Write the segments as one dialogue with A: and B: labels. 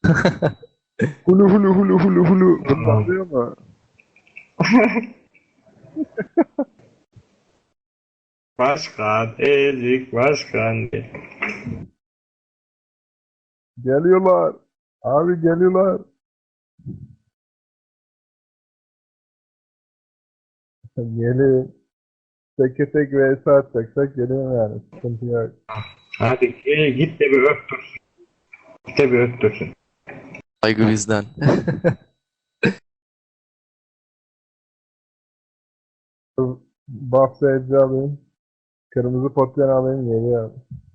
A: Hulu hulu hulu hulu hulu. Bunu da
B: Tamam.
A: anlıyor mu?
B: Başkan, ezik başkan.
A: Geliyorlar. Abi geliyorlar. Gelin. Teke tek vs atacaksak geliyorum yani. Sıkıntı yok.
B: Hadi git de bir öptürsün. Git de bir öptürsün.
C: Saygı bizden.
A: Buff sayıcı alayım. Kırmızı potyen alayım geliyor.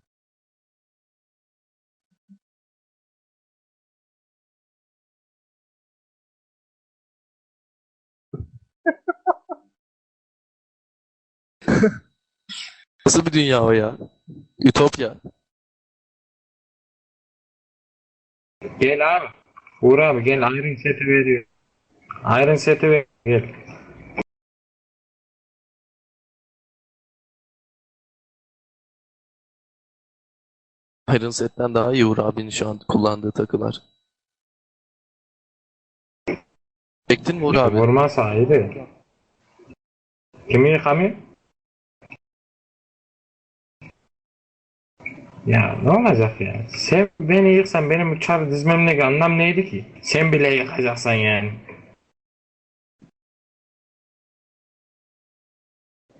C: Nasıl bir dünya o ya? Ütopya.
B: Gel abi. Uğur abi gel Iron Set'i veriyor. Iron Set'i ver. Gel.
C: Iron Set'ten daha iyi Uğur abinin şu an kullandığı takılar. Çektin mi Uğur
B: Ya
C: abi?
B: vurma sahibi. Kimi yıkamıyor? Ya ne olacak ya? Sen beni yıksan benim uçar dizmemdeki anlam neydi ki? Sen bile yıkacaksan yani.